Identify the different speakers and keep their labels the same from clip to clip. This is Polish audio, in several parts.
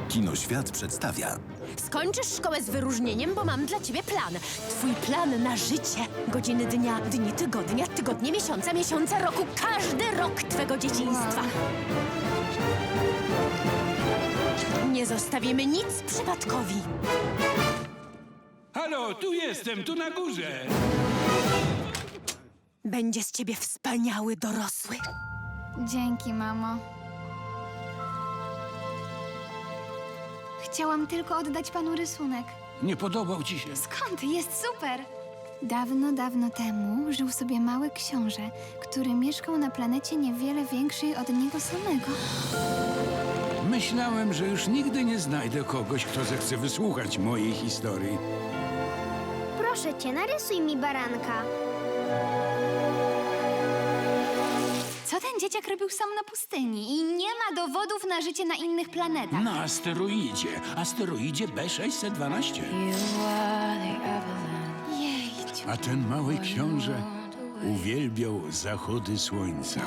Speaker 1: Kinoświat przedstawia
Speaker 2: Skończysz szkołę z wyróżnieniem, bo mam dla ciebie plan. Twój plan na życie. Godziny dnia, dni tygodnia, tygodnie miesiąca, miesiące roku. Każdy rok twego dzieciństwa. Nie zostawimy nic przypadkowi.
Speaker 3: Halo, tu jestem, tu na górze.
Speaker 2: Będzie z ciebie wspaniały dorosły.
Speaker 4: Dzięki, mamo. Chciałam tylko oddać panu rysunek.
Speaker 3: Nie podobał ci się?
Speaker 4: Skąd? Jest super! Dawno, dawno temu żył sobie mały książę, który mieszkał na planecie niewiele większej od niego samego.
Speaker 3: Myślałem, że już nigdy nie znajdę kogoś, kto zechce wysłuchać mojej historii.
Speaker 5: Proszę cię, narysuj mi baranka.
Speaker 4: Co ten dzieciak robił sam na pustyni? I nie ma dowodów na życie na innych planetach.
Speaker 3: Na asteroidzie B612.
Speaker 4: Jejciu.
Speaker 3: A ten mały książę uwielbiał zachody słońca.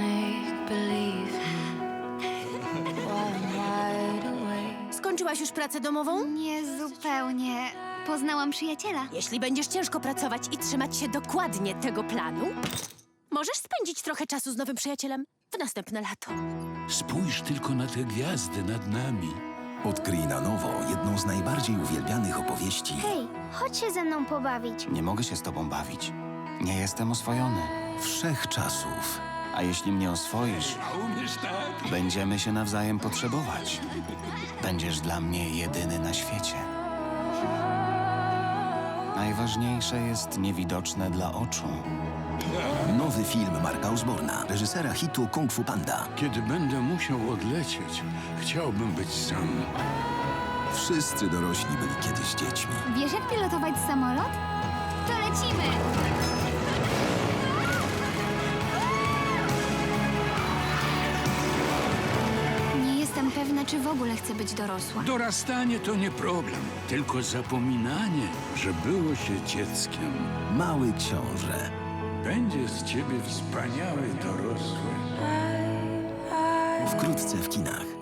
Speaker 2: Skończyłaś już pracę domową?
Speaker 4: Nie zupełnie. Poznałam przyjaciela.
Speaker 2: Jeśli będziesz ciężko pracować i trzymać się dokładnie tego planu, możesz spędzić trochę czasu z nowym przyjacielem w następne lato.
Speaker 3: Spójrz tylko na te gwiazdy nad nami.
Speaker 1: Odkryj na nowo jedną z najbardziej uwielbianych opowieści
Speaker 5: Hej, chodź się ze mną pobawić.
Speaker 6: Nie mogę się z tobą bawić. Nie jestem oswojony.
Speaker 1: wszechczasów.
Speaker 6: A jeśli mnie oswoisz,
Speaker 3: A umiesz tak?
Speaker 6: będziemy się nawzajem potrzebować. Będziesz dla mnie jedyny na świecie. Najważniejsze jest niewidoczne dla oczu.
Speaker 1: Nowy film Marka Osborna, reżysera hitu Kung Fu Panda.
Speaker 3: Kiedy będę musiał odlecieć, chciałbym być sam.
Speaker 1: Wszyscy dorośli byli kiedyś dziećmi.
Speaker 4: Wiesz, jak pilotować samolot? To lecimy! Nie jestem pewna, czy w ogóle chcę być dorosła.
Speaker 3: Dorastanie to nie problem, tylko zapominanie, że było się dzieckiem.
Speaker 1: Mały książę.
Speaker 3: Będzie z ciebie wspaniały dorosły.
Speaker 1: Wkrótce w kinach.